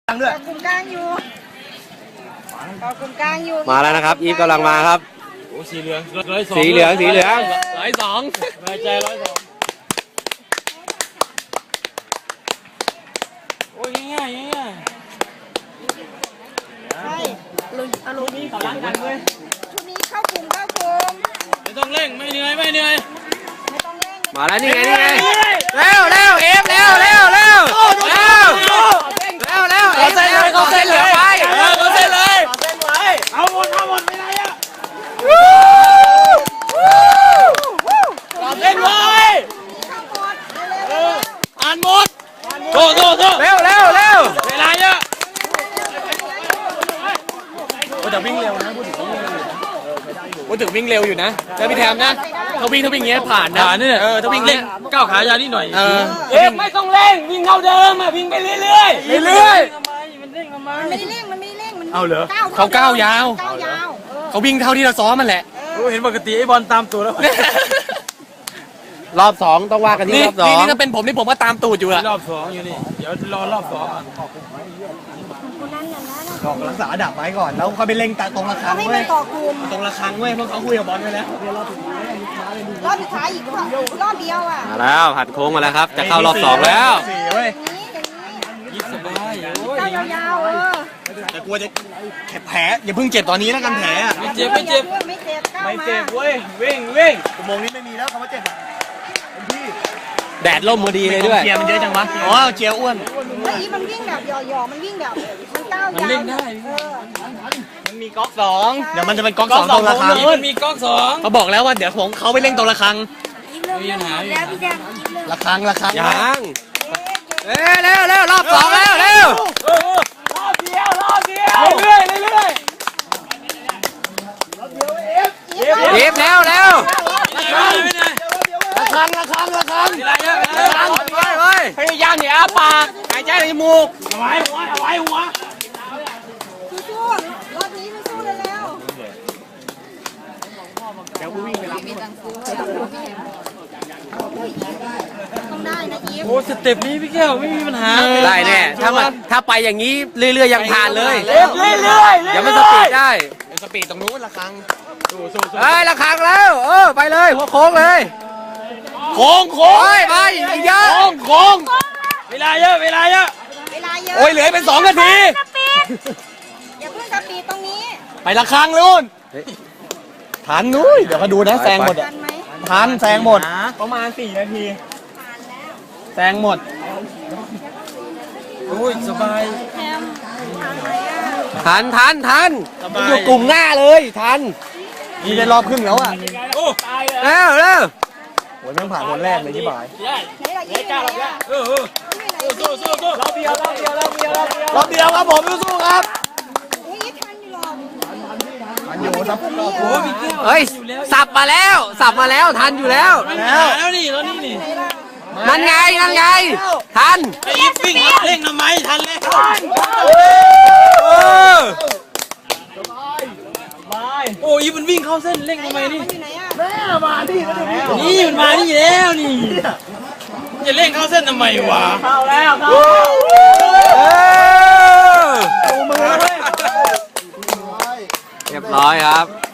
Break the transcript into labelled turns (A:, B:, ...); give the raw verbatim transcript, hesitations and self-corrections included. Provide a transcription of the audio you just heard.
A: ตั้งด้วย
B: กลุ่มกลางอยู่กลุ่มกลางอยู่
C: มาแล้วนะครับอีฟกำลังมาครับ
A: โอ้สีเหลืองร้อยสอง
C: สีเหลืองสีเหลือง
A: ร้อยสองร้อยใจร้อยสองโอ้ยง่ายง่าย
B: ใช่อารมณ์นี้เขาล้างกันเว้ยชุดนี้เข้ากลุ่มเข้ากลุ่ม
A: ไม่ต้องเร่งไม่เหนื่อยไม่เหนื่อย
B: ไม่ต้องเร่ง
C: มาแล้วนี่ไงนี่ไงเร็วเร็วเอฟเร็วเร็วเร็วเร็วเร็วเร็วเอฟเร็วเขาเส้นเลยไป
A: เขาเส้นเลยเส้นไว้เอาหมดเอาหมดไม่ได้อะเส้นไว้อ่านหมดโตโตโต
C: เร็วเร็วเร็ว
A: เวลาเยอะโอ้แต่วิ่งเร็วนะพูดถึงพูดถึงวิ่งเร็วอยู่นะแล้วพี่แทมนะเขาวิ่งเขาวิ่งเงี้ยผ่านนะผ่านนี่เออถ้าวิ่งเล่นก้าวขายาวนิดหน่อยเออเอ๊ะไม่ต้องเร่งวิ่งเท่าเดิมอ่ะวิ่งไปเรื่อยเรื่อยเรื่อยมันเร่งทำไม
B: มันไม่ได้เร่งมันไม่เร่งมัน
A: เอาเหรอ
C: เขาก้าวยาว
B: ก้าวยาว
C: เขาวิ่งเท่าที่เราซ้อมมันแหละ
A: เห็นปกติไอ้บอลตามตัวแล้ว
C: รอบสองต้องว่ากันที่รอบสองนี่ถ้าเป็นผมนี่ผมก็ตามตูดอยู่อะ
A: รอบสองอยู่นี่เดี๋ยวรอรอบสอง
D: กอกรักษาดับไว้ก่อนแล้วค่อยไปเล็งตรงระฆังเว้ยตรงระฆังเว้ยเพราะเขาคุยกับบอลไปแล้ว
B: รอบสุดท้ายอีกรอบเดียวอ่ะ
C: มาแล้วผัดโค้งมาแล้วครับจะเข้ารอบสองแล้ว
D: สี่เว้ย
A: ยิบสบาย
B: ก้าวยาวๆเออ
D: แต่กลัวจะแผลอย่าเพิ่งเจ็บตอนนี้แล้วกันแผลอ่ะ
A: ไม่เจ็บไม่เจ็บ
B: ไม่เจ็บก้าว
A: ไม่
B: มา
A: เจ็บเว้ยวิ่งวิ่ง
D: อุโมงค์นี้ไม่มีแล้วคำว่าเจ็บอ่ะพี่
C: แดดร่มพอดีเลยด้วย
D: เจียมันเยอะจังวะอ๋อเจียอ้วน
B: แล้วอีมันวิ่งแบบหย่อๆมันวิ่งแบบมันก้าวยาว
A: มันเล่นได้
D: มันมีก๊อกสองเดี๋ยวมันจะเป็นก๊อกสองตรงระฆัง
A: มันมีก๊อกสอง
C: เขาบอกแล้วว่าเดี๋ยวผมเขาไปเล่นตรงระฆัง
A: มีปัญหา
B: แล้วพี่แดง
D: ระฆังระฆัง
C: ยังเร็วเร็วเร็วรอบสองแล้วเร็ว
A: รอบเดียวรอบเดียวเรื่อยเรื่อย
C: เอฟเร็วเร็ว
D: ระฆังระฆังระฆัง
A: อะไรเยอะ
C: พยายามอย่าอ้าปากหายใจในจมูก
A: เอาไว้หัวเอาไว้หัว
B: สู้ๆรอบนี้มันสู้ได้แล้ว
D: เดี๋ยวกูวิ่งไปรับ
B: ต้องได้นะอีฟ
A: โอ้สเต็ปนี้พี่แก้วไม่มีปัญหา
C: ได้แน่ถ้ามันถ้าไปอย่างนี้เรื่อยๆยังผ่านเลย
A: เรื่อยเรื่อย
C: อย่ามันสปีดได้
D: สปีดตรงนู้นระฆัง
C: เฮ้ยระฆังแล้วเออไปเลยหัวโค้งเลย
A: โค้งโค้ง
C: ไปอีกเยอะ
A: โค้งโค้งเวลาเยอะเวลาเยอะ
B: เวลาเยอะ
C: โอ้ยเหลือเป็นสองนาที
B: อย่าเพิ่งสปีดตรงนี้
D: ไประฆังนู้นทันนู้นเดี๋ยวก็ดูนะแซงหมดอ่ะทันแซงหมดประมาณสี่นาทีแซงหมด
A: โอ้ยสบาย
C: ทันทันทันอยู่กลุ่มหน้าเลยทัน
D: มีได้รอบครึ่งแล้วอ่ะ
A: โอ้
C: เร็วเร็ว
D: โอ้ยแม่งผ่านคนแรกเลยที่บ่าย
B: ไหนล่ะยี่ไหนอ่ะ
A: เออเออสู้สู้สู้
D: รอบเดียวรอบเดียวรอบเดียวรอบเดียวครับผมสู้ครับ
B: เฮ้ยทันอยู่หรอ
D: ทันอยู่ครับ
A: โอ้พี่แก้ว
C: เฮ้ยสับมาแล้วสับมาแล้วทันอยู่แล้ว
A: แล้วแล้วนี่แล้วนี่นี่
C: นั่นไงนั่นไงทัน
A: ไอ้วิ่งเร่งทำไมทันแล้วโอ้ยมันวิ่งเข้าเส้นเร่งทำไมนี่
D: แม่มาดิ
A: นี่มันมานี่แล้วนี่จะเร่งเข้าเส้นทำไมวะ
D: เข้าแล้วเข้าดูมือเลย
C: เรียบร้อยครับ